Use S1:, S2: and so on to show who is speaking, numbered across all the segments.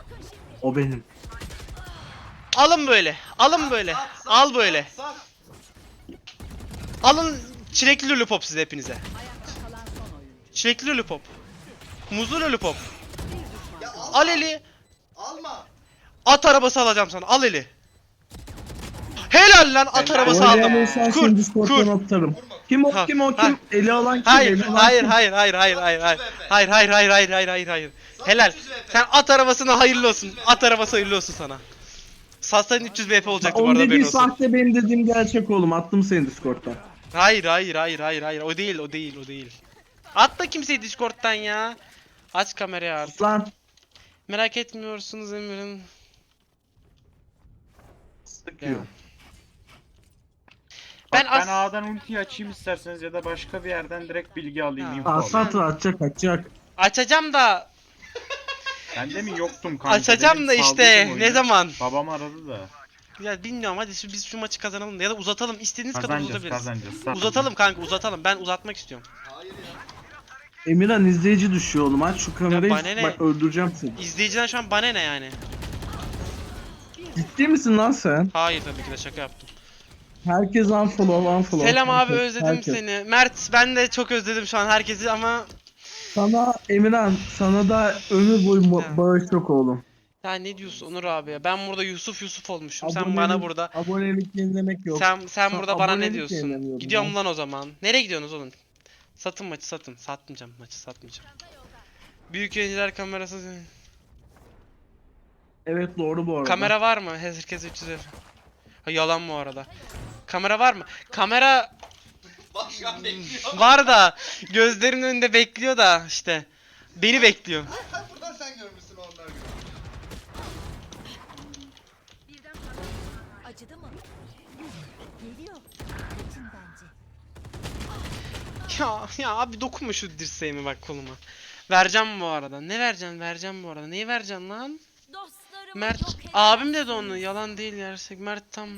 S1: O benim.
S2: Alın böyle. Alın böyle. Al böyle. Alın çilekli lollipop size hepinize. Çilekli lollipop. Muzlu lollipop. Al eli.
S3: Alma.
S2: At arabası alacağım sana. Al eli. Helal lan at arabası aldım.
S1: Oynayan olsan
S2: Kur.
S1: seni Discord'dan
S2: Kur.
S1: atarım. Kim o
S2: Ha,
S1: kim o
S2: ha.
S1: kim? Eli alan kim?
S2: Hayır,
S1: Eli alan
S2: hayır,
S1: kim?
S2: hayır, hayır, hayır, hayır, hayır, hayır, hayır, hayır, hayır, hayır, hayır, hayır. Helal. Sen at arabasına hayırlı olsun. At arabası hayırlı olsun sana. Satsan 300 VP olacaktı bu
S1: Onun
S2: arada
S1: dediği
S2: haberin olsun.
S1: sahte, benim dediğim gerçek oğlum. Attım seni Discord'dan.
S2: Hayır, hayır, hayır, hayır, hayır. O değil, o değil, o değil. Atma kimseyi Discord'dan ya. Aç kamerayı artık.
S1: Lan.
S2: Merak etmiyorsunuz Emir'in.
S1: Sıkıyor.
S4: Ben,
S2: Ben as-
S4: A'dan ultiyi açayım isterseniz ya da başka bir yerden direkt bilgi alayım.
S2: Ya.
S4: Info alayım.
S1: Asat var, atacak.
S2: Açacağım da
S4: Ben de mi yoktum kanka?
S2: açacağım
S4: dedim,
S2: da işte
S4: saldırdım oyunu.
S2: ne zaman?
S4: Babam aradı da.
S2: Ya bilmiyorum hadi biz şu maçı kazanalım da ya da uzatalım istediğiniz kadar
S4: Kazanacağız
S2: uzatabiliriz.
S4: kazanacağız.
S2: Uzatalım kanka uzatalım ben uzatmak istiyorum.
S3: Hayır ya.
S1: Emirhan izleyici düşüyor oğlum. Aç şu kamerayı.
S2: bana ne?
S1: Bak öldüreceğim seni.
S2: İzleyiciden şu an bana ne yani?
S1: Ciddi misin lan sen?
S2: Hayır tabii ki de şaka yaptım.
S1: Herkes unfollow.
S2: Selam abi
S1: Herkes,
S2: özledim
S1: herkes.
S2: seni. Mert ben de çok özledim şu an herkesi ama
S1: Sana Emirhan, sana da ömür boyu
S2: Ya.
S1: bağış yok oğlum.
S2: ya ne diyorsun Onur abi ya? Ben burada Yusuf olmuşum. Sen
S1: Abonelik-
S2: bana burada
S1: Abonelik yenilemek yok.
S2: sen burada bana ne
S1: abonelik
S2: diyorsun?
S1: yenilemiyorum
S2: Gidiyorum
S1: ben.
S2: lan o zaman. Nereye gidiyorsunuz oğlum? Satın maçı satın. Satmayacağım maçı satmayacağım. Büyük yayıncılar kamerası.
S1: Evet doğru bu arada.
S2: Kamera var mı? Herkes 300 euro. Ha, yalan bu arada. Kamera var mı? Kamera
S3: Bak şu an bekliyor.
S2: var da gözlerimin önünde bekliyor da işte. Beni bekliyor.
S3: Buradan sen görmüşsün onlar gibi.
S5: Acıdı mı? Geliyor. Kaçın bence.
S2: Ya abi dokunma şu dirseğime bak koluma. Vereceğim bu arada. Ne vereceksin? Vereceğim bu arada. Neyi vereceksin lan?
S5: Dostlarımı
S2: Mert
S5: yok edemezsin.
S2: abim dedi onu. Yalan değil gerçek. Mert tam.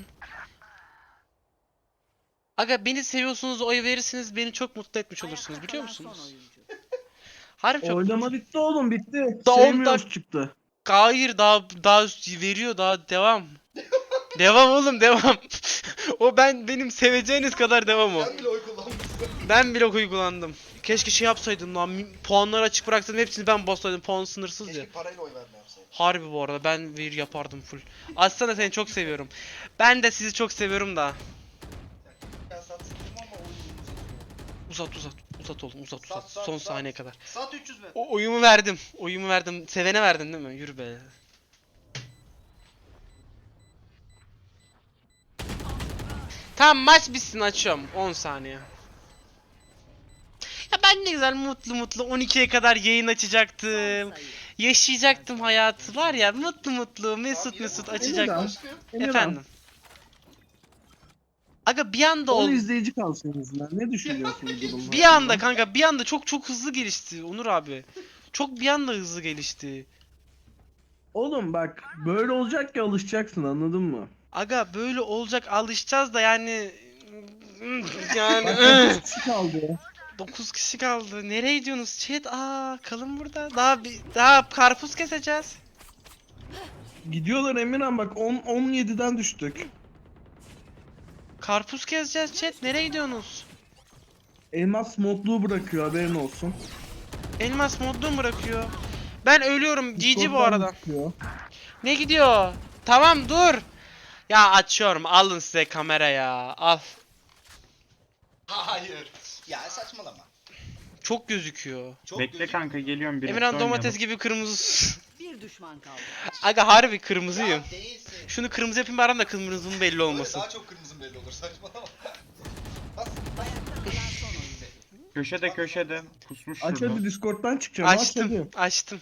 S2: Aga beni seviyorsunuz, oy verirsiniz, beni çok mutlu etmiş olursunuz biliyor musunuz? Harbi çok.
S1: Oylama bitti oğlum, bitti.
S2: Daha on
S1: Sevmiyoruz çıktı.
S2: Hayır daha veriyor daha devam. Devam oğlum devam. O benim seveceğiniz kadar devam o.
S3: Sen bile oy kullanmışsın.
S2: Ben bile uygulandım. Keşke şey yapsaydım lan. Puanları açık bıraksaydım hepsini ben bassaydım. Puan sınırsız ya.
S3: Keşke parayla oy verme yapsaydım.
S2: Harbi bu arada ben bir yapardım full. Aslında seni çok seviyorum. Ben de sizi çok seviyorum da.
S3: Ben satsın ama oyunu
S2: Uzat oğlum uzat.
S3: Sat,
S2: Son
S3: sat.
S2: saniye kadar.
S3: Sat 300 ver.
S2: Oyumu verdim. Oyumu verdim. Sevene verdin değil mi? Yürü be. Tamam maç bitsin açıyorum. 10 saniye. Ya ben ne güzel mutlu 12'ye kadar yayın açacaktım. Yaşayacaktım hayatı var ya mutlu mesut açacaktım.
S1: Emirhan,
S2: Efendim. Aga bir anda
S1: 10
S2: oldu.
S1: izleyici kalsın en azından. Ne düşünüyorsun bu durumda?
S2: Bir anda kanka bir anda çok hızlı gelişti Onur abi. Çok bir anda hızlı gelişti.
S1: Oğlum bak böyle olacak ki alışacaksın, anladın mı?
S2: Aga böyle olacak alışacağız da yani yani
S1: Bak 9 kişi kaldı ya.
S2: 9 kişi kaldı. Nereye gidiyorsunuz chat? Kalın burada. Daha karpuz keseceğiz.
S1: Gidiyorlar Emirhan, bak 17'den düştük.
S2: Karpuz keseceğiz chat. Nereye gidiyorsunuz?
S1: Elmas modluğu bırakıyor, haberin olsun.
S2: Elmas modlu mu bırakıyor? Ben ölüyorum. GG bu
S1: Discord'dan
S2: arada.
S1: çıkıyor.
S2: Ne gidiyor? Tamam dur. Ya açıyorum. Alın size kamera ya. Al.
S3: Hayır. Ya saçmalama.
S2: Çok gözüküyor.
S3: Çok
S4: Bekle
S3: gözük-
S4: kanka geliyorum birlikte
S2: Emirhan
S4: oynayalım.
S2: domates gibi kırmızı.
S5: Bir düşman kaldı.
S2: Aga harbi kırmızıyım.
S3: Ya değilsin.
S2: Şunu kırmızı yapayım bari da kırmızının belli
S3: Böyle
S2: olmasın.
S3: daha çok kırmızın belli olur saçmalama.
S5: Ayakta kalan son oyuncu.
S4: Köşede pusmuş
S1: Aç
S4: şurada.
S1: hadi, Discord'dan çıkacağım. Aç
S2: Açtım.
S1: hadi.
S2: Açtım.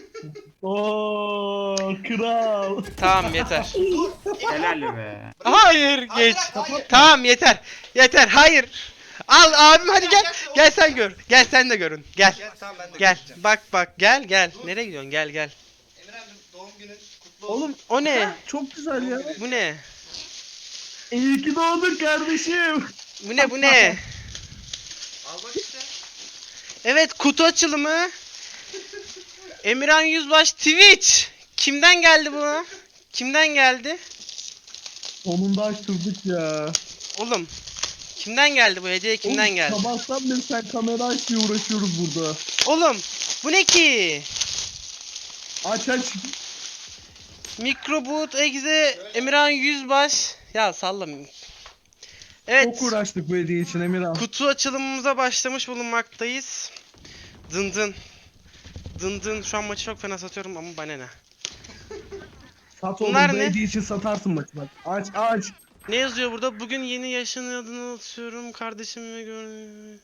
S1: Oo kral.
S2: Tamam yeter.
S4: Helal be.
S2: Hayır geç.
S3: Hayır.
S2: Tamam yeter. Yeter hayır. Al abim hadi gel. Gel sen gör. Gel sen de görün. Gel.
S3: Gel tamam ben de
S2: Gel.
S3: göreceğim.
S2: Bak gel. Nereye gidiyorsun? Gel.
S3: Emirhan'cığım doğum günün kutlu olsun.
S1: Oğlum
S2: O ne?
S1: çok güzel ya.
S2: Bu ne?
S1: İyi ki doğdun kardeşim.
S2: Bu ne?
S3: Al bak işte.
S2: Evet kutu açılımı. Emirhan Yüzbaş Twitch. Kimden geldi bu? Kimden geldi?
S1: Sonunda açtırdık ya.
S2: Oğlum. Kimden geldi bu hediye? Kimden
S1: Oğlum,
S2: geldi?
S1: sabahtan beri sen kamera aç diye uğraşıyoruz burada.
S2: Oğlum. Bu ne ki?
S1: Aç aç.
S2: Microboot Exe Emirhan Yüzbaş. Ya sallam. Evet.
S1: Çok uğraştık bu hediye için Emirhan.
S2: Kutu açılımımıza başlamış bulunmaktayız. Dın dın. Dın dın. Şu an maçı çok fena satıyorum ama bana ne?
S1: Sat oğlum,
S2: Bunlar
S1: bu
S2: ne?
S1: hediye için satarsın maçı bak. Aç aç.
S2: Ne yazıyor burada? Bugün yeni yaşın adını atıyorum. Kardeşim ve
S3: Görmüyorlar.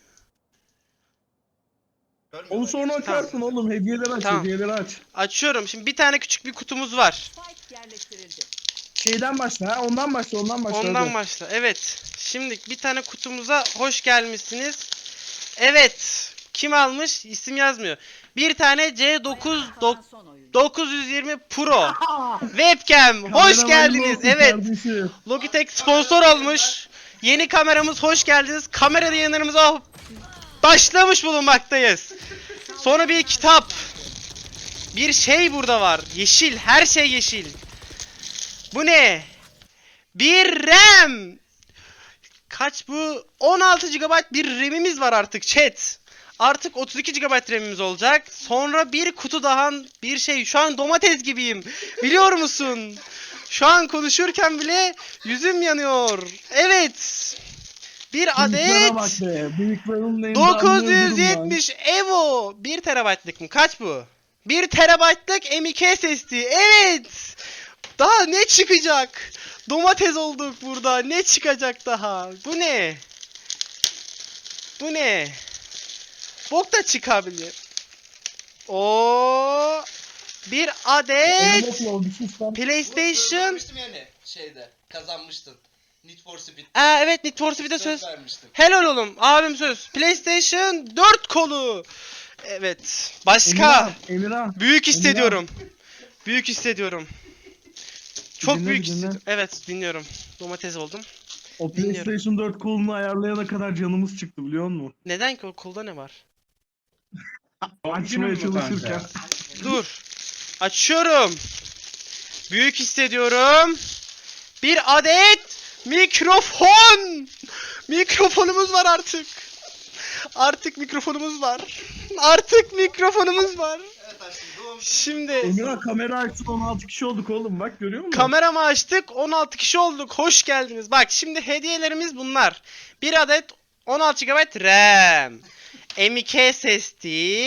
S1: Onu sonra açarsın oğlum. Hediyeleri aç,
S2: Tamam.
S1: hediyeleri aç.
S2: Açıyorum. Şimdi bir tane küçük bir kutumuz var.
S5: Spike yerleştirildi.
S1: Şeyden başla ha. Ondan başla, ondan başla.
S2: Ondan
S1: hadi.
S2: başla. Evet. Şimdi bir tane kutumuza hoş gelmişsiniz. Evet. Kim almış? İsim yazmıyor. Bir tane C9
S5: Kalan son oyuncu.
S2: 920 Pro webcam. Hoş
S1: Kameraman
S2: geldiniz.
S1: olsun
S2: Evet.
S1: kardeşim.
S2: Logitech sponsor olmuş. Yeni kameramız, hoş geldiniz. Kamera yayınlarımıza başlamış bulunmaktayız. Sonra bir kitap. Bir şey burada var. Yeşil. Her şey yeşil. Bu ne? Bir RAM. Kaç bu? 16 GB bir RAM'imiz var artık chat. Artık 32 GB RAM'imiz olacak. Sonra bir kutu daha bir şey. Şu an domates gibiyim. Biliyor musun? Şu an konuşurken bile yüzüm yanıyor. Evet. Bir
S1: Büyüklere bak
S2: adet
S1: be. Büyüklerin neyini
S2: 970 Evo. 1 TB'lık mı? Kaç bu? 1 TB'lık M.2 SSD. Evet. Daha ne çıkacak? Domates olduk burada. Ne çıkacak daha? Bu ne? Bu ne? Bok da çıkabilir. O bir adet PlayStation.
S3: Görmüştüm yani şeyde. Kazanmıştın. Need for Speed.
S2: Evet, Need for Speed'e söz.
S3: vermiştim.
S2: Helal oğlum. Abim söz. PlayStation 4 kolu. Evet. Başka.
S1: Emirhan.
S2: Büyük hissediyorum. Büyük hissediyorum. Çok
S1: Dinle,
S2: büyük
S1: dinle.
S2: hissediyorum. Evet, dinliyorum. Domates oldum.
S1: O
S2: Dinliyorum.
S1: PlayStation 4 kolunu ayarlayana kadar canımız çıktı biliyor musun?
S2: Neden ki o kolda ne var?
S4: Doğum günün
S1: Açmaya
S4: mü
S1: çalışırken.
S4: kanka?
S2: Dur. Açıyorum. Büyük hissediyorum. Bir adet mikrofon. Mikrofonumuz var artık. Artık mikrofonumuz var. Artık mikrofonumuz var.
S3: Evet aşkım doğum
S2: Şimdi
S1: Emirhan kamera açsın, 16 kişi olduk oğlum, bak görüyor musun?
S2: kameramı açtık. 16 kişi olduk. Hoş geldiniz. Bak şimdi hediyelerimiz bunlar. Bir adet 16 GB RAM. M.2 SSD.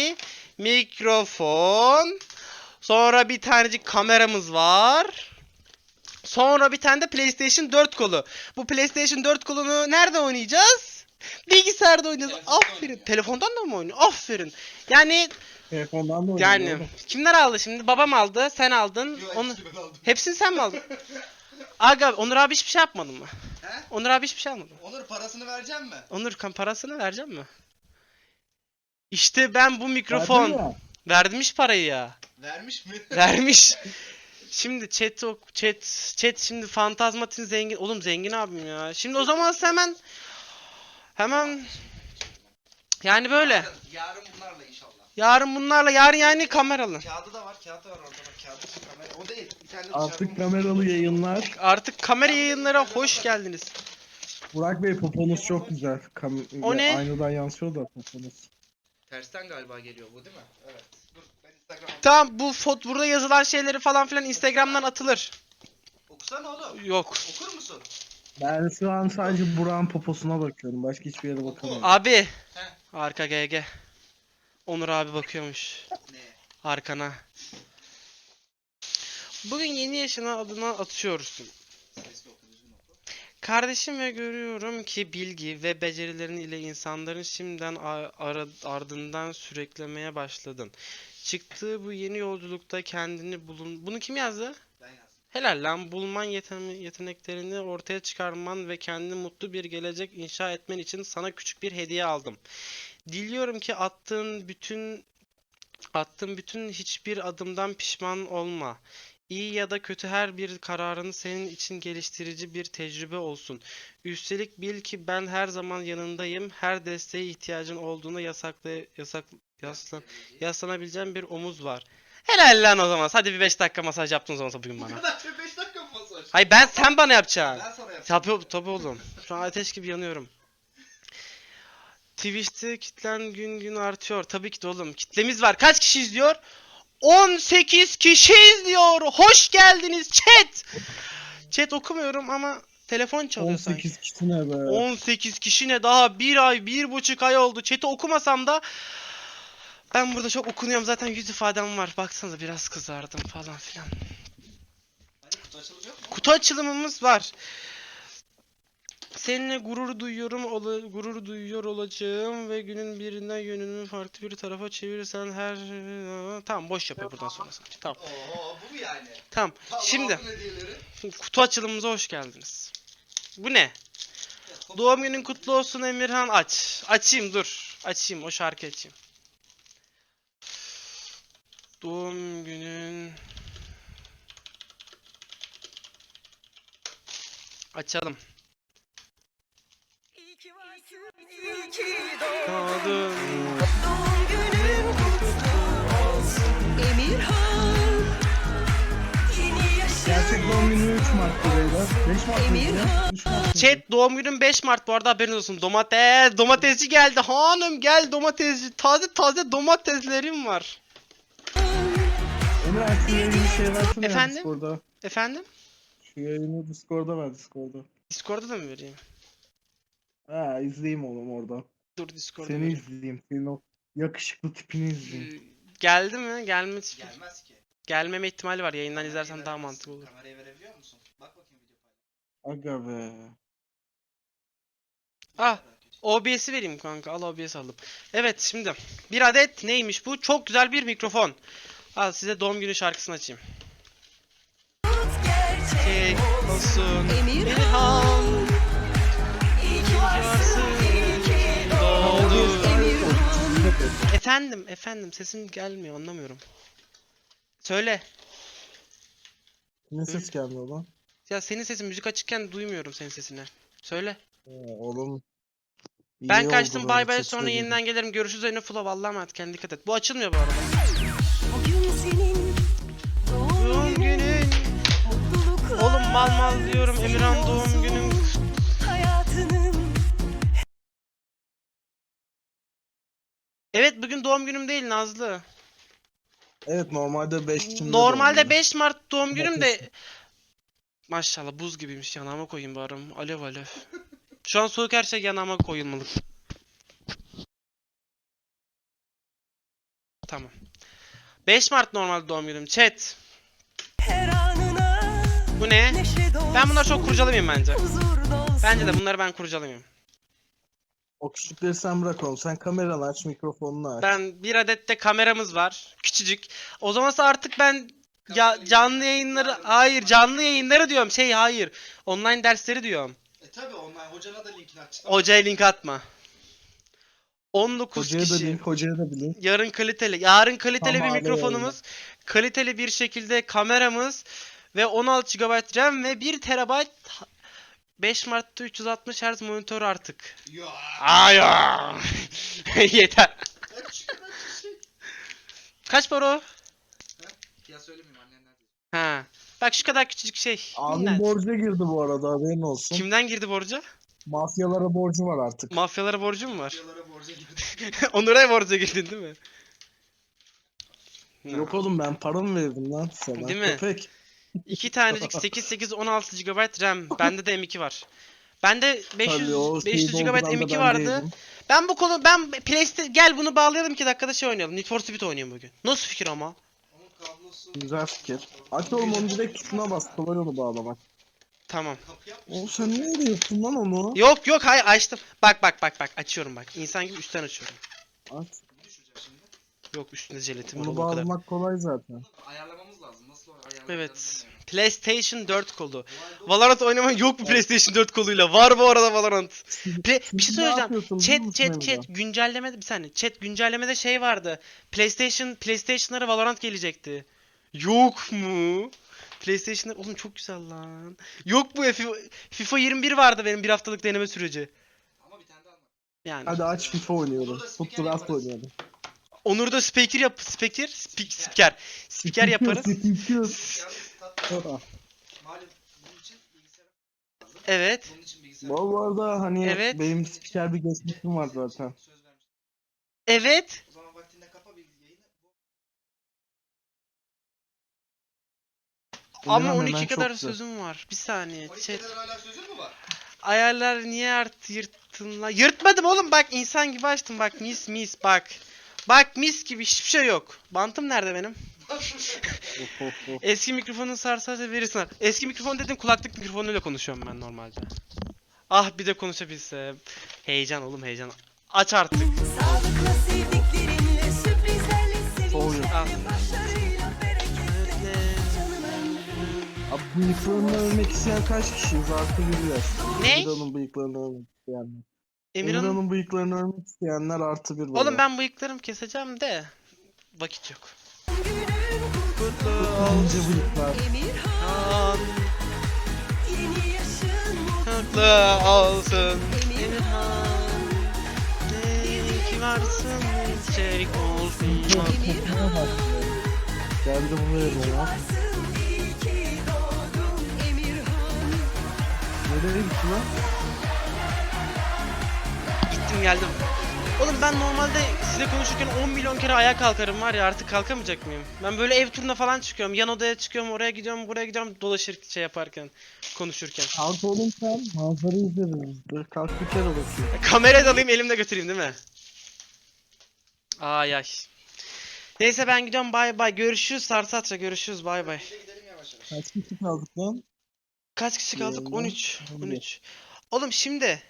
S2: Mikrofon. Sonra bir tanecik kameramız var. Sonra bir tane de PlayStation 4 kolu. Bu PlayStation 4 kolunu nerede oynayacağız? Bilgisayarda oynayacağız.
S3: Telefonda
S2: Aferin.
S3: oynayacağız.
S2: Telefondan da mı oynuyor? Aferin. Yani
S1: Telefondan da oynuyor
S2: yani
S1: oğlum.
S2: kimler aldı şimdi? Babam aldı, sen aldın.
S3: Yok,
S2: Onu
S3: hepsini ben aldım.
S2: hepsini sen mi aldın? Aga, Onur abi hiçbir şey yapmadın mı?
S3: He?
S2: Onur abi hiçbir şey almadı.
S3: Onur parasını vereceğim mi?
S2: Onur parasını vereceğim mi? İşte ben bu
S1: Verdin
S2: mikrofon
S1: ya.
S2: vermiş parayı ya.
S3: Vermiş mi?
S2: Vermiş. Şimdi chat şimdi Fantazmatin zengin. Oğlum zengin abim ya. Şimdi o zaman hemen yani böyle.
S3: Yarın bunlarla inşallah.
S2: Yarın bunlarla yarın yani kameralı.
S3: Kağıdı da var, kağıdı var orada bak. Kağıdı kamera. O değil. Bir tane de
S1: Artık
S3: dışarıda
S1: kameralı yayınlar.
S2: Artık kamera yayınlara hoş geldiniz.
S1: Burak Bey, poponuz çok güzel.
S2: O ne?
S1: Aynadan yansıyor da poponuz.
S3: Tersten galiba geliyor bu değil mi? Evet. Dur ben Instagram'a
S2: Tamam, bu burada yazılan şeyleri falan filan Instagram'dan atılır.
S3: Okusana oğlum.
S2: Yok.
S3: Okur musun?
S1: Ben şu an sadece Burak'ın poposuna bakıyorum. Başka hiçbir yere bakamıyorum.
S2: Abi.
S3: Heh.
S2: Arka GG. Onur abi bakıyormuş.
S3: Ne?
S2: Arkana. Bugün yeni yaşına adına atıyorsun.
S3: Sesli oku, düzgün oku.
S2: Kardeşim ve görüyorum ki bilgi ve becerilerin ile insanların şimdiden ardından süreklemeye başladın. Çıktığı bu yeni yolculukta kendini bulun... Bunu kim yazdı?
S3: Ben yazdım.
S2: Helal lan, bulman yeteneklerini ortaya çıkarman ve kendini mutlu bir gelecek inşa etmen için sana küçük bir hediye aldım. Diliyorum ki attığın bütün hiçbir adımdan pişman olma. İyi ya da kötü her bir kararın senin için geliştirici bir tecrübe olsun. Üstelik bil ki ben her zaman yanındayım. Her desteğe ihtiyacın olduğunda yaslanabileceğin bir omuz var. Helal lan o zaman. Hadi bir 5 dakika masaj yaptın o zaman bugün
S3: Bu
S2: bana.
S3: kadar çok 5 dakika mı masaj?
S2: Hayır sen bana yapacaksın.
S3: Ben sana yapacağım.
S2: Tabii oğlum. Şu an ateş gibi yanıyorum. Twitch'te kitlen gün gün artıyor. Tabii ki de oğlum. Kitlemiz var. Kaç kişi izliyor? 18 kişi izliyor. Hoş geldiniz chat. Chat okumuyorum ama telefon çalıyor sanki.
S1: 18 kişi ne be?
S2: 18 kişi ne, daha 1 ay 1,5 ay oldu. Chat'i okumasam da ben burada çok okunuyorum zaten, yüz ifadem var. Baksanıza biraz kızardım falan filan.
S3: Hani kutu açılacak mı?
S2: Kutu açılımımız var. Seninle gurur duyuyor olacağım ve günün birinde yönümü farklı bir tarafa çevirirsen her... Tamam, boş yapıyor buradan sonra sanki. Tamam.
S3: Oo, bu mu yani?
S2: Tamam.
S3: Tamam,
S2: Şimdi
S3: aldın hediyeleri.
S2: kutu açılımımıza hoş geldiniz. Bu ne? Doğum günün kutlu olsun Emirhan, aç. Açayım, dur. Açayım, o şarkı açayım. Doğum günün... Açalım. Doğdun.
S1: Gerçek doğum günü 3 Mart'ta beyler. 5 Mart mıydı? 3 Mart mıydı?
S2: Chat, doğum günün 5 Mart bu arada, haberiniz olsun. Domatesci geldi. Hanım gel domatesci. Taze domateslerim var.
S1: Emre şu yayını şey versene ya
S2: Efendim?
S1: Discord'da.
S2: Efendim?
S1: Şu yayını Discord'da ver Discord'da.
S2: Discord'da da mı vereyim?
S1: Ha izleyeyim oğlum orada.
S2: Dur Discord'da
S1: Seni
S2: vereyim.
S1: izleyeyim. Senin o yakışıklı tipini izleyeyim.
S2: Geldi mi?
S3: Gelmez ki.
S2: Gelmeme ihtimali var. Yayından izlersen daha mantıklı olur.
S3: Kamerayı verebiliyor musun? Bak bakayım video paylaş.
S1: Aga be.
S2: Ah, OBS'i vereyim kanka. Al, OBS aldım. Evet, şimdi bir adet neymiş bu? Çok güzel bir mikrofon. Al size doğum günü şarkısını açayım. Gerçek olsun Emirhan. İyi ki varsın. Doğdun. Efendim sesim gelmiyor, anlamıyorum. Söyle.
S1: Ne ses gelmiyor lan?
S2: Ya senin sesin müzik açıkken duymuyorum senin sesini. Söyle.
S1: Oğlum. iyi
S2: Ben
S1: oldu
S2: kaçtım,
S1: böyle
S2: bay bay,
S1: ses
S2: sonra
S1: söyledin.
S2: yeniden gelirim. Görüşürüz Önü Flow. Allah'a emanet, kendine dikkat et. Bu açılmıyor bu arada.
S6: Bugün senin
S2: Doğum günün.
S6: mutluluklar
S2: Oğlum mal diyorum Emirhan, doğum günün.
S6: hayatının
S2: Evet, bugün doğum günüm değil Nazlı.
S1: Evet normalde 5 Ekim'de
S2: Normalde
S1: doğum günü.
S2: 5 Mart doğum günüm de...
S1: Domates.
S2: Maşallah buz gibiymiş, yanağıma koyayım bari. Alev alev. Şu an soğuk, her şey yanağıma koyulmalı. Tamam. 5 Mart normal doğum günüm. Chat.
S6: her anına
S2: Bu ne?
S6: neşe dolsun,
S2: Ben bunları çok kurcalamayayım bence.
S6: huzur dolsun.
S2: Bence de bunları ben kurcalamayayım.
S1: O küçükleri sen bırak oğlum. Sen kameranı aç, mikrofonunu aç.
S2: Ben bir adet de kameramız var. Küçücük. O zamansa artık ben canlı yayınları... Hayır, canlı yayınları diyorum. Hayır. Online dersleri diyorum.
S3: Tabi online hocana da linkini açacağım.
S2: Hocaya link atma. 19
S1: Hocaya da
S2: kişi.
S1: link, hocaya da link.
S2: Yarın kaliteli bir
S1: Tamam,
S2: mikrofonumuz, kaliteli bir şekilde kameramız ve 16 GB RAM ve 1 TB 5 Mart'ta 360 Hz monitör artık.
S3: Ya.
S2: Aya. Yeter.
S3: Kaç şey.
S2: Kaç para o?
S3: Ya söylemeyeyim, annen nerede?
S2: Ha. Bak şu kadar küçücük şey.
S1: Abim
S2: Minnacık.
S1: borca girdi bu arada, haberin olsun.
S2: Kimden girdi borca?
S1: Mafyalara borcu var artık.
S2: Mafyalara borcu mu var?
S3: Videolara borca girdim.
S2: Onur'a borca girdin değil mi?
S1: Yok oğlum, ben paramı verdim lan sana.
S2: Değil mi?
S1: Köpek.
S2: 2 tanecik 8 16 GB RAM. Bende de M2 var. Bende 500
S1: Tabii, o
S2: 500
S1: şeyi
S2: GB
S1: dolduran da
S2: M2
S1: ben
S2: vardı.
S1: değilim.
S2: Ben gel bunu bağlayalım, 2 dakikada şey oynayalım. Need for Speed oynayalım bugün. Nasıl fikir ama?
S3: Onun kablosu.
S1: Güzel fikir. Aç oğlum onu, direkt tuşuna bas. Kolay onu bağlamak.
S2: Tamam.
S3: Kapı yapmış.
S1: Oğlum sen nereye yaptın lan onu?
S2: Yok hayır, açtım. Bak açıyorum bak. İnsan gibi üstten açıyorum.
S1: Aç.
S3: Ne düşecek şimdi?
S2: Yok, üstünde jelatin var
S1: Onu
S2: oğlum, o kadar.
S1: bağlamak kolay zaten.
S3: Bunu ayarlamamız lazım. Nasıl ayarlayacağız
S2: Evet.
S3: bilmiyorum.
S2: PlayStation 4 kolu.
S3: Wild
S2: Valorant oynamak yok mu PlayStation 4 koluyla? Var bu arada Valorant. Bir
S1: Siz
S2: şey
S1: ne
S2: söyleyeceğim.
S1: yapıyorsunuz biliyor musun
S2: Chat
S1: Emre?
S2: güncellemede bir saniye. Chat güncellemede şey vardı. PlayStation'lara Valorant gelecekti. Yok mu? PlayStation'lar oğlum çok güzel lan. Yok mu? FIFA 21 vardı benim bir haftalık deneme süreci.
S3: Ama bir tane daha anlat.
S2: Yani
S1: Hadi aç FIFA
S3: Burada
S1: oynuyoruz.
S3: spiker
S1: Foot Draft
S3: yaparız.
S1: oynayalım.
S2: Onur da spiker yaparız.
S3: Yalnız tatlı. Malum bunun için bilgisayar lazım.
S2: Evet.
S3: Bunun için bilgisayar
S1: Bu arada hani
S2: Evet.
S1: benim spiker bir geçmişim var zaten.
S3: söz vermiş.
S2: Evet.
S3: O zaman vaktinde kapa bilgi yayını.
S2: Ama
S1: Emirhan,
S2: 12
S1: hemen
S2: kadar
S1: çoktu.
S2: sözüm var. Bir saniye.
S3: 12
S2: Chat.
S3: kadar hala sözün mü var?
S2: Ayarlar niye yırttın lan? Yırtmadım oğlum, bak insan gibi açtım, bak mis bak. Bak mis gibi, hiçbir şey yok. Bantım nerede benim? Eski mikrofonu sarsarsa verirsin. Eski mikrofon dedim, kulaklık mikrofonuyla konuşuyorum ben normalde. Ah bir de konuşabilsem. Heyecan oğlum, heyecan. Aç artık.
S6: Sağlıkla sevdiklerinle, sürprizlerle,
S1: Oluyor.
S6: sevinçlerle, başlarıyla, bereketle. Canım ömrüm.
S1: Abi bıyıklarını övmek isteyen kaç kişiyiz? Artı bir yaş.
S2: Ne?
S1: Emirhan'ın bıyıklarını övmek isteyenler.
S2: Emirhan'ın...
S1: Emirhan'ın bıyıklarını övmek isteyenler artı bir böyle.
S2: Oğlum ben bıyıklarımı keseceğim de. Vakit yok. Kutlu
S1: İnce bıyıklar.
S6: Emirhan,
S2: olsun.
S6: yeni yaşın
S2: Mutlu olsun. Emirhan. Ne ki varsın, çelik olsun.
S1: Geldi buraya ya.
S6: varsın, iyi ki doğdun Emirhan.
S1: Nereye gitti lan?
S2: Gittim geldim. Oğlum ben normalde size konuşurken 10 milyon kere ayağa kalkarım var ya, artık kalkamayacak mıyım? Ben böyle ev turuna falan çıkıyorum. Yan odaya çıkıyorum, oraya gidiyorum, buraya gidiyorum, dolaşır şey yaparken, konuşurken.
S1: Kalk oğlum sen. Manzara izleriz. Dur kalk bir kere bakayım.
S2: Kamerayı da alayım, elimde götüreyim değil mi? Ay ay. Neyse ben gidiyorum, bay bay. Görüşürüz Sarsatça, görüşürüz, bay bay.
S3: Bir de gidelim yavaş yavaş.
S1: Kaç kişi kaldık lan?
S2: Kaç kişi kaldık?
S1: Yayında
S2: 13.
S1: 11.
S2: 13. Oğlum şimdi.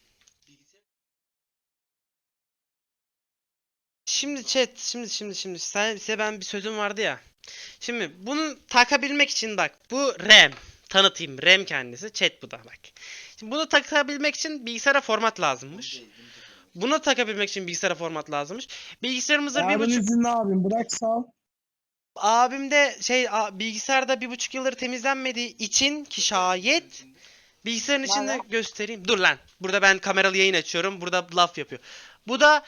S2: Şimdi chat, şimdi size ben bir sözüm vardı ya. Şimdi bunu takabilmek için bak, bu RAM. Tanıtayım, RAM kendisi, chat bu da bak. Şimdi bunu takabilmek için bilgisayara format lazımmış. Bunu takabilmek için bilgisayara format lazımmış. Bilgisayarımıza
S1: Yarın
S2: 1.5...
S1: izinli abim bırak sal.
S2: Abim de bilgisayarda 1.5 yıldır temizlenmediği için ki şayet bilgisayarın içinde göstereyim. Dur lan. Burada ben kameralı yayın açıyorum. Burada laf yapıyor. Bu da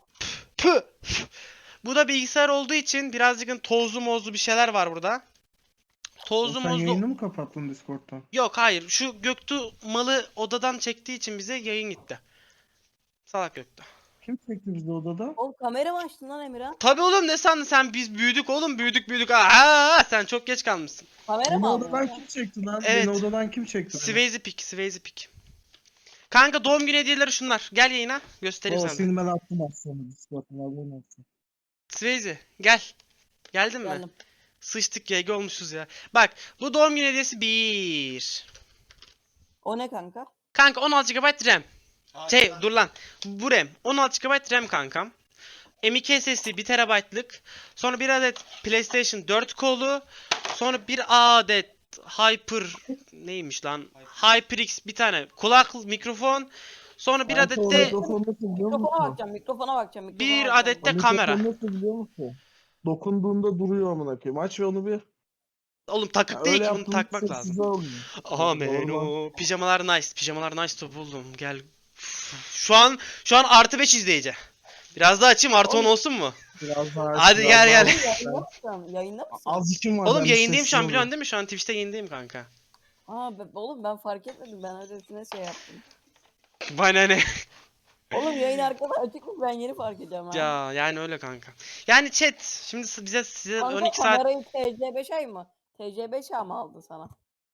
S2: bu da bilgisayar olduğu için birazcık tozlu mozlu bir şeyler var burada. Tozlu
S1: Sen
S2: mozlu.
S1: yayını mı kapattın Discord'dan?
S2: Yok hayır. Şu Göktuğ malı odadan çektiği için bize yayın gitti. Salak Göktuğ.
S1: Kim çekti bizi odada?
S7: Oğlum kamera mı açtın lan Emirhan?
S2: Tabii oğlum, ne sandın sen, biz büyüdük oğlum, büyüdük. Aa, sen çok geç kalmışsın.
S7: Kamera
S1: Beni
S7: mı aldın?
S1: odadan kim çekti lan?
S2: Evet.
S1: Beni odadan kim çekti?
S2: Swayze pick. Kanka doğum günü hediyeleri şunlar. Gel yayına göstereyim
S1: O
S2: sana.
S1: seni ben attım aslında Discord'dan haberin olsun.
S2: Swayze gel. Geldin mi?
S7: Geldim.
S2: Sıçtık YG olmuşuz ya. Bak bu doğum günü hediyesi 1.
S7: O ne kanka?
S2: Kanka 16 GB RAM. Dur lan. Bu RAM. 16 GB RAM kankam. M.2 SSD 1 TB'lık. Sonra bir adet PlayStation 4 kolu. Sonra bir adet Hyper neymiş lan? HyperX bir tane kulak mikrofon. Sonra bir adet de
S1: Mikrofon nasıl biliyor
S7: Mikrofona
S1: musun?
S7: bakacağım, mikrofona bakacağım.
S2: bir adet de kamera.
S1: Mikrofon nasıl biliyor musun? Dokunduğunda duruyor amına koyayım. Aç ve onu bir.
S2: Oğlum takıp değil ki, bunu
S1: yaptığında
S2: takmak
S1: sessiz
S2: lazım.
S1: olmuyor.
S2: Amen
S1: Normal.
S2: o. Pijamalar nice. Pijamalar nice top buldum. Gel. Şu an artı 5 izleyici. Biraz daha açayım, artı 10 olsun mu?
S1: Biraz daha.
S2: Hadi
S1: biraz
S2: gel,
S1: daha-
S2: gel.
S7: Yayında mısın? Yayında mısın?
S1: Azıcık var.
S2: Oğlum
S1: ben
S2: yayındayım şu an,
S1: sessiz
S2: biliyorsun değil mi? Şu an Twitch'te yayındayım kanka.
S7: Oğlum ben fark etmedim. Ben öylesine şey yaptım.
S2: Bana ne?
S7: Oğlum yayın arkada açık mı? Ben yeni fark edeceğim ha.
S2: Ya yani öyle kanka. Yani chat şimdi size
S7: Kanka
S2: 12 saat
S7: kamerayı TC5 mı? TC5 mı aldı sana?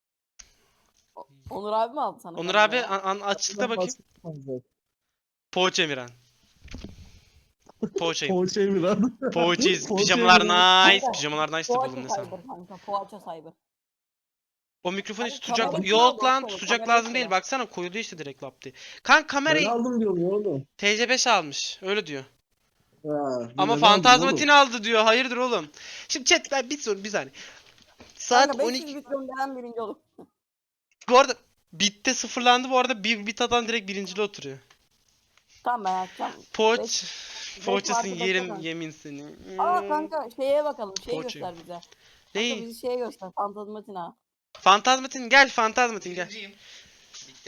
S7: Onur abi mi aldı sana?
S2: Onur abi
S7: kamerayı?
S2: açıkla bakayım.
S1: olmuyor.
S2: Poğaça Emirhan. Poğaçayım.
S1: Poğaça Emirhan.
S2: Poğaçayız.
S1: Poğaça
S2: Pijamalar
S1: Emirhan.
S2: nice. Pijamalar nice de
S7: Poğaça
S2: buldum ne sen.
S7: cyber kanka. Poğaça cyber.
S2: O mikrofonu hiç
S7: Abi
S2: tutacak...
S7: kamera
S2: Yok
S7: içine
S2: lan,
S7: baksana,
S2: tutacak
S7: kamera
S2: lazım değil.
S7: içine.
S2: Baksana koyuldu işte direkt lap diye. Kanka
S1: Ben
S2: kamerayı
S1: aldım diyorum ya oğlum.
S2: TC5 almış. Öyle diyor.
S1: Ha,
S2: Ama
S1: ben
S2: Fantazmatin
S1: aldım
S2: aldı diyor. Hayırdır oğlum? Şimdi chat ben bir saniye. Saat
S7: Kanka
S2: 12.
S7: 500 bit gönderen birinci olur.
S2: Bu arada bitte sıfırlandı bu arada. Bir bit atan direkt birincili oturuyor.
S7: Tamam ben açacağım.
S2: Poğaç. Poğaçasın
S7: farkı
S2: yerim
S7: beklemem.
S2: yemin seni.
S7: Aa kanka şeye bakalım. Şeyi
S2: Poğaça.
S7: göster bize. Kanka
S2: Neyi?
S7: bizi şeye göster. Fantazmatin ha.
S2: Fantazmatin gel, Fantazmatin gel.
S3: Birinciyim. Bitti.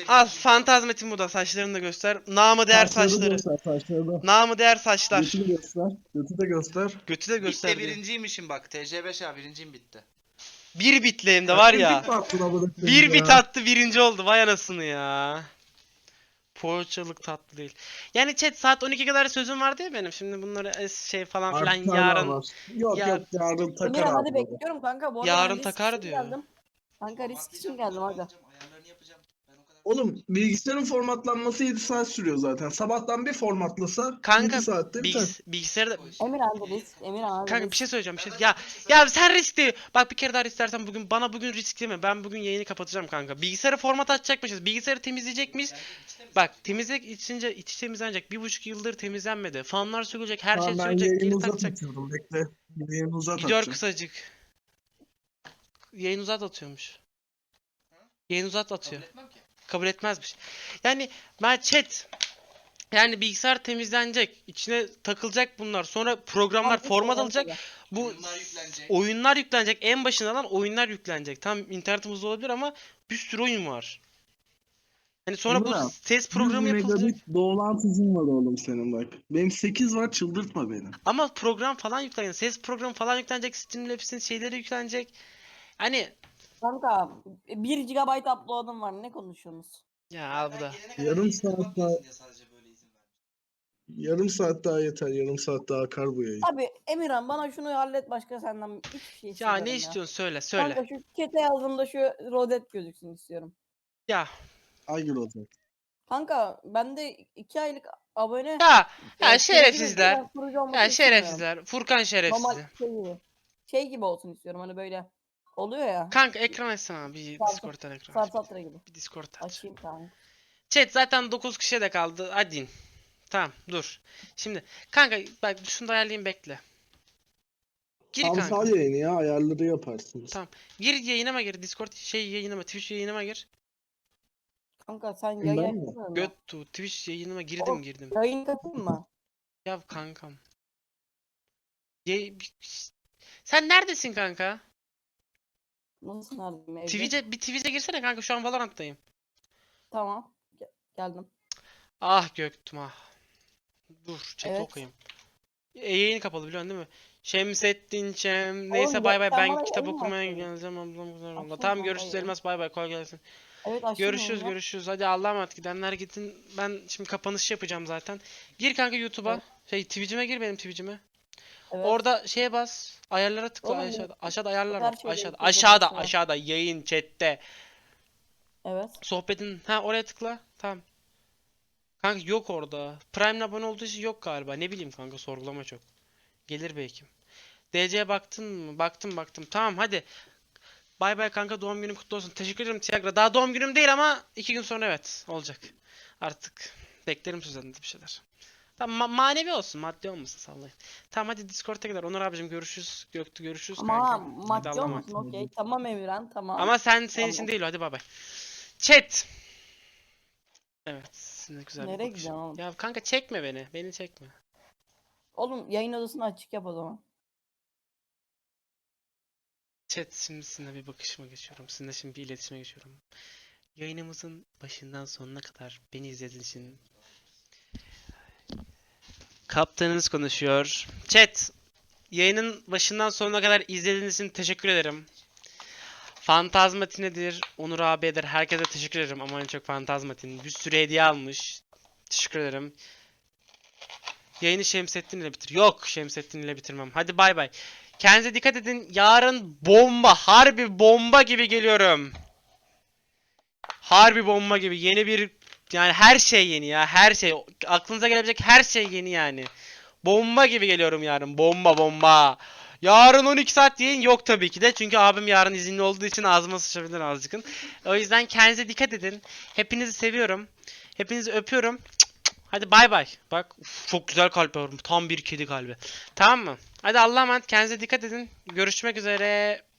S2: Al Fantazmetin bu da, saçlarını da göster. Namı değer saçları.
S1: Göster, saçları.
S2: Namı değer saçlar.
S1: Götü de göster. Götü de göster.
S2: Götü de
S3: Bitti
S2: göster. diyor.
S3: birinciymişim bak. TC5 ya birinciyim bitti.
S2: Bir bitle hem de var ya.
S1: Bir bit attın amına koyayım
S2: Bir
S1: ya.
S2: bit attı birinci oldu. Vay anasını ya. Poğaçalık tatlı değil. Yani chat saat 12 kadar sözüm vardı ya benim. Şimdi bunları şey falan filan
S1: Artık hala
S2: yarın.
S1: var. Yok
S2: Ya-
S1: yok yarın takar
S7: Emirhan hadi
S1: abi.
S7: bekliyorum kanka. Bu arada
S2: Yarın
S7: ben risk
S2: takar
S7: için
S2: diyor.
S7: Geldim. Kanka risk için geldim aga.
S3: Ayarlarını yapacağım. Ben o kadar...
S1: Oğlum bilgisayarın formatlanması 7 saat sürüyor zaten. Sabahtan bir formatlasa
S2: Kanka
S1: 7 saatte biter.
S2: bilgisayarda
S7: Emirhan hadi risk. Emirhan hadi
S2: kanka
S7: risk.
S2: bir şey söyleyeceğim bir şey. Ya sen risk değil. Bak bir kere daha risk dersen bugün risk deme. Ben bugün yayını kapatacağım kanka. Bilgisayarı format açacakmışız. Bilgisayarı temizleyecekmiş. Bak temizlik içince içi temizlenecek. 1,5 yıldır temizlenmedi. Fanlar sökülecek, her şey
S1: Tamam, ben
S2: sökülecek,
S1: yayını
S2: geri
S1: uzat
S2: takacak.
S1: atıyorum. Bekle. Yayını uzat
S2: Video
S1: atacağım.
S2: kısacık. Yayın uzat atıyormuş. Yayın uzat atıyor.
S3: Kabul etmem ki.
S2: Kabul etmezmiş. Yani ben chat. Yani bilgisayar temizlenecek. İçine takılacak bunlar. Sonra programlar
S7: Abi,
S2: format
S7: şey
S2: alacak.
S7: olacak.
S2: Bu
S3: Oyunlar yüklenecek.
S2: oyunlar yüklenecek. En başından oyunlar yüklenecek. Tam internetim hızlı olabilir ama bir sürü oyun var. Hani sonra bu
S1: Emirhan,
S2: ses programı
S1: 100
S2: yapılacak.
S1: megabit bağlantın var oğlum senin bak. Benim 8 var, çıldırtma beni.
S2: Ama program falan yüklenecek. Ses programı falan yüklenecek. Streamlabs'in şeyleri yüklenecek. Hani
S7: Kanka 1 GB upload'um var. Ne konuşuyorsunuz?
S2: ya al bu da.
S1: Yarım saat daha- Yarım saat daha yeter. Yarım saat daha akar bu yayın.
S7: Abi Emirhan bana şunu hallet, başka senden hiçbir şey
S2: Ya
S7: istemiyorum
S2: ne istiyorsun söyle söyle.
S7: Kanka şu chat'e yazdığımda şu rodet gözüksün istiyorum.
S2: Ya
S1: Aygır olacak.
S7: Kanka bende 2 aylık abone.
S2: ya
S7: Ya,
S2: şerefsizler.
S7: ben kurucu olmak
S2: Ya
S7: istemiyorum.
S2: şerefsizler. Furkan şerefsizi.
S7: Normal şey gibi olsun istiyorum, hani böyle oluyor ya.
S2: Kanka ekran açsana bir
S7: Sarı-
S2: Discord'dan ekran aç.
S7: Sarsatra gibi.
S2: Bir Discord aç.
S7: Açayım kanka.
S2: Chat zaten 9 kişiye de kaldı. Hadi in. Tamam dur. Şimdi kanka bak şunu da ayarlayayım bekle. Gir
S1: Tam
S2: kanka.
S1: sağ yayını ya ayarları yaparsınız.
S2: Tamam. Gir yayınıma gir. Discord yayınıma, Twitch yayınıma gir.
S7: Kanka sen
S1: Ben
S7: yayın
S1: mi?
S7: açmadın mı?
S2: Göttu Twitch yayınıma girdim
S7: Oğlum,
S2: girdim.
S7: Yayın katayım mı?
S2: Ya kankam. Sen neredesin kanka?
S7: Nasıl neredeyim evde?
S2: Twitch'e girsene kanka, şu an Valorant'tayım.
S7: Tamam. Geldim.
S2: Ah Göktüm ah. Dur chat
S7: Evet.
S2: okuyayım. Yayın kapalı biliyorsun değil mi? Şemsettin Neyse
S7: Oğlum,
S2: bay bay,
S7: sen
S2: ben
S7: bana
S2: kitap
S7: yayın mı
S2: okumaya
S7: açmadın?
S2: geleceğim ablam güzel valla.
S7: Açsana
S2: Tamam
S7: kanka
S2: görüşürüz
S7: yayını.
S2: Elmas, bay bay kolay gelsin.
S7: Evet açtım
S2: Görüşürüz
S7: yayını.
S2: görüşürüz. Hadi Allah'a emanet, gidenler gitsin. Ben şimdi kapanış yapacağım zaten. Gir kanka YouTube'a.
S7: Evet.
S2: Twitch'ime gir, benim Twitch'ime.
S7: Evet.
S2: Orada şeye bas. Ayarlara tıkla
S7: Oğlum,
S2: aşağıda. Aşağıda ayarlar
S7: her
S2: var.
S7: şeyde
S2: Aşağıda.
S7: yüklü
S2: Aşağıda.
S7: olması var.
S2: Aşağıda. Yayın chat'te.
S7: Evet.
S2: Sohbetin. Ha oraya tıkla. Tamam. Kanka yok orada. Prime'le abone olduğu için yok galiba. Ne bileyim kanka, sorgulama çok. Gelir belki. DC'ye baktın mı? Baktım. Tamam hadi. Bay bay kanka, doğum günün kutlu olsun. Teşekkür ederim Tiagra. Daha doğum günüm değil ama 2 gün sonra evet olacak. Artık beklerim sizden de bir şeyler. Tamam manevi olsun, maddi olmasın, sallayın. Tamam hadi Discord'a gider. Onur abicim görüşürüz. Göktü görüşürüz
S7: Ama
S2: kanka. Hadi
S7: maddi
S2: Allah'a emanet.
S7: olmasın, okey. Tamam Emirhan, tamam.
S2: Ama senin
S7: Tamam.
S2: için değil o, hadi bay bay. Chat. Evet, ne güzel bir
S7: Nereye
S2: bakış.
S7: gidiyorsun oğlum?
S2: Ya kanka çekme beni. Beni çekme.
S7: Oğlum yayın odasını açık yap o zaman.
S2: Chat, şimdi sizinle bir bakışıma geçiyorum. Sizinle şimdi bir iletişime geçiyorum. Yayınımızın başından sonuna kadar beni izlediğiniz için kaptanınız konuşuyor. Chat, yayının başından sonuna kadar izlediğiniz için teşekkür ederim. Fantazmatinedir, Onur abidir, herkese teşekkür ederim. Aman çok Fantazmatin. Bir sürü hediye almış. Teşekkür ederim. Yayını Şemsettin ile bitir. Yok, Şemsettin ile bitirmem. Hadi bay bay. Kendinize dikkat edin. Yarın bomba, harbi bomba gibi geliyorum. Harbi bomba gibi. Yeni bir, yani her şey yeni ya. Her şey. Aklınıza gelebilecek her şey yeni yani. Bomba gibi geliyorum yarın. Bomba. Yarın 12 saat yayın yok tabii ki de. Çünkü abim yarın izinli olduğu için ağzıma sıçabilir azıcık. O yüzden kendinize dikkat edin. Hepinizi seviyorum. Hepinizi öpüyorum. Hadi bay bay. Bak uf, çok güzel kalp yavrum. Tam bir kedi kalbi. Tamam mı? Hadi Allah'a emanet. Kendinize dikkat edin. Görüşmek üzere.